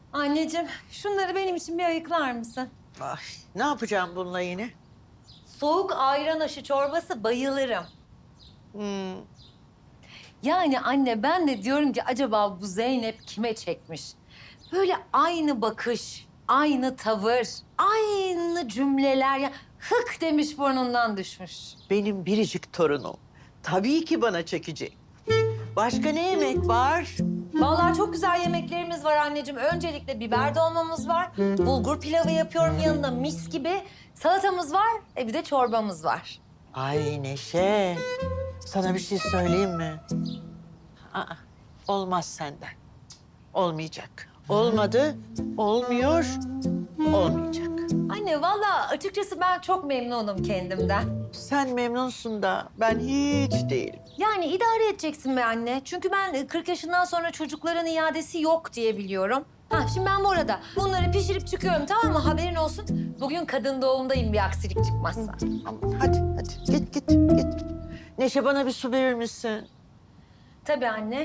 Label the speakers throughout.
Speaker 1: Anneciğim, şunları benim için bir ayıklar mısın?
Speaker 2: Ay, ne yapacağım bununla yine?
Speaker 1: Soğuk ayran aşı çorbası bayılırım.
Speaker 2: Hmm,
Speaker 1: Yani anne ben de diyorum ki acaba bu Zeynep kime çekmiş? Böyle aynı bakış, aynı tavır, aynı cümleler ya hık demiş burnundan düşmüş.
Speaker 2: benim biricik torunum. Tabii ki bana çekecek. Başka ne yemek var?
Speaker 1: Vallahi çok güzel yemeklerimiz var anneciğim. Öncelikle biber dolmamız var. Bulgur pilavı yapıyorum yanında mis gibi. Salatamız var, bir de çorbamız var.
Speaker 2: Ay Neşe, sana bir şey söyleyeyim mi? Aa, olmaz senden. Olmayacak. Olmadı, olmuyor, olmayacak.
Speaker 1: Anne vallahi açıkçası ben çok memnunum kendimden.
Speaker 2: Sen memnunsun da ben hiç değilim.
Speaker 1: Yani idare edeceksin be anne. Çünkü ben 40 yaşından sonra çocukların iadesi yok diye biliyorum. Ha şimdi ben bu arada bunları pişirip çıkıyorum tamam mı? Haberin olsun. Bugün kadın doğumdayım bir aksilik çıkmazsa.
Speaker 2: Aman hadi git. Neşe bana bir su verir misin?
Speaker 1: Tabii anne.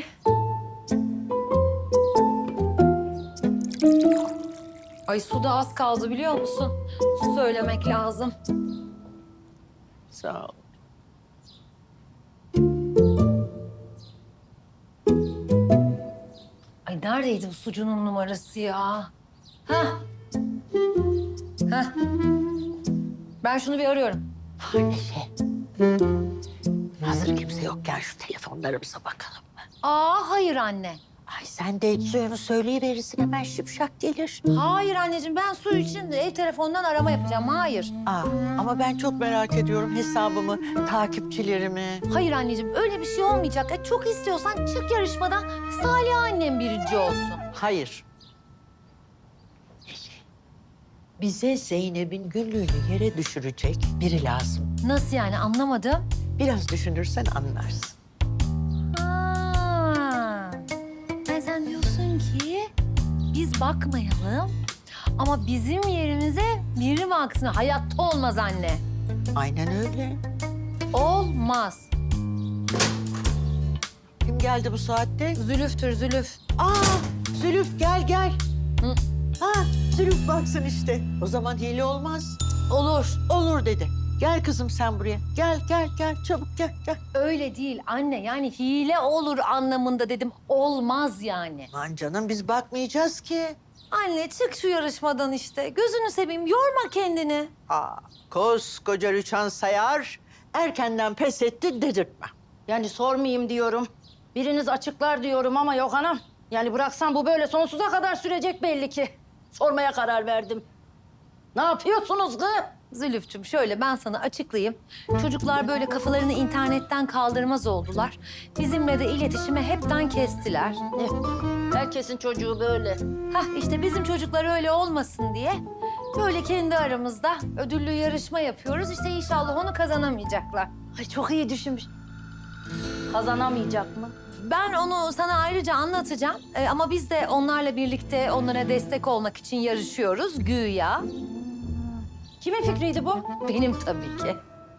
Speaker 1: Ay su da az kaldı biliyor musun? Su söylemek lazım.
Speaker 2: Sağ ol.
Speaker 1: Ay neredeydi bu sucunun numarası ya? Hah. Hah. Ben şunu bir arıyorum.
Speaker 2: Neşe. Hazır kimse yokken şu telefonlarımıza bakalım mı?
Speaker 1: Aa hayır anne.
Speaker 2: Ay sen de suyunu söyleyiverirsin hemen şıpşak gelir.
Speaker 1: Hayır anneciğim ben su için ev telefonundan arama yapacağım. Hayır.
Speaker 2: Ama ben çok merak ediyorum hesabımı, takipçilerimi.
Speaker 1: Hayır anneciğim öyle bir şey olmayacak. Çok istiyorsan çık yarışmadan Salih annem birinci olsun.
Speaker 2: Hayır. Neşe, bize Zeynep'in günlüğünü yere düşürecek biri lazım.
Speaker 1: Nasıl yani anlamadım.
Speaker 2: Biraz düşünürsen anlarsın.
Speaker 1: Ha. Sen diyorsun ki biz bakmayalım ama bizim yerimize biri baksın. Hayatta olmaz anne.
Speaker 2: Aynen öyle.
Speaker 1: Olmaz.
Speaker 2: Kim geldi bu saatte?
Speaker 1: Zülüftür zülüf.
Speaker 2: Zülüf gel.
Speaker 1: Hı.
Speaker 2: Zülüf baksın işte. O zaman hile olmaz.
Speaker 1: Olur.
Speaker 2: Olur dedi. Gel kızım sen buraya. Gel çabuk gel.
Speaker 1: Öyle değil anne. Yani hile olur anlamında dedim. Olmaz yani.
Speaker 2: Aman canım biz bakmayacağız ki.
Speaker 1: Anne çık şu yarışmadan işte. Gözünü seveyim yorma kendini.
Speaker 2: Koskoca Rüçhan Sayar erkenden pes etti dedirtme.
Speaker 3: Yani sormayayım diyorum. Biriniz açıklar diyorum ama yok anam. Yani bıraksam bu böyle sonsuza kadar sürecek belli ki. Sormaya karar verdim. Ne yapıyorsunuz kız?
Speaker 1: Zülüfçüm şöyle ben sana açıklayayım. Çocuklar böyle kafalarını internetten kaldırmaz oldular. Bizimle de iletişimi hepten kestiler.
Speaker 3: Ne? Herkesin çocuğu böyle.
Speaker 1: Hah işte bizim çocuklar öyle olmasın diye böyle kendi aramızda ödüllü yarışma yapıyoruz. İşte inşallah onu kazanamayacaklar.
Speaker 3: Ay çok iyi düşünmüş. Kazanamayacak mı?
Speaker 1: Ben onu sana ayrıca anlatacağım. Ama biz de onlarla birlikte onlara destek olmak için yarışıyoruz güya.
Speaker 3: Kimin fikriydi bu?
Speaker 1: Benim tabii ki.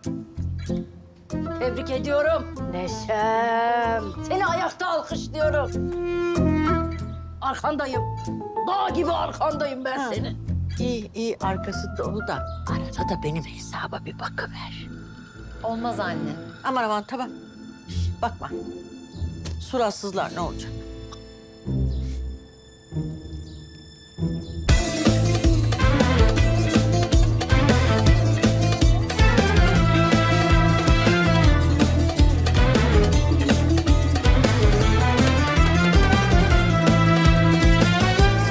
Speaker 3: Tebrik ediyorum. Neşem. Seni ayakta alkışlıyorum. Arkandayım. Dağ gibi arkandayım ben senin.
Speaker 2: İyi arkası dolu da arada da benim hesaba bir bakıver.
Speaker 1: Olmaz anne.
Speaker 2: Aman tamam. Bakma. Suratsızlar ne olacak?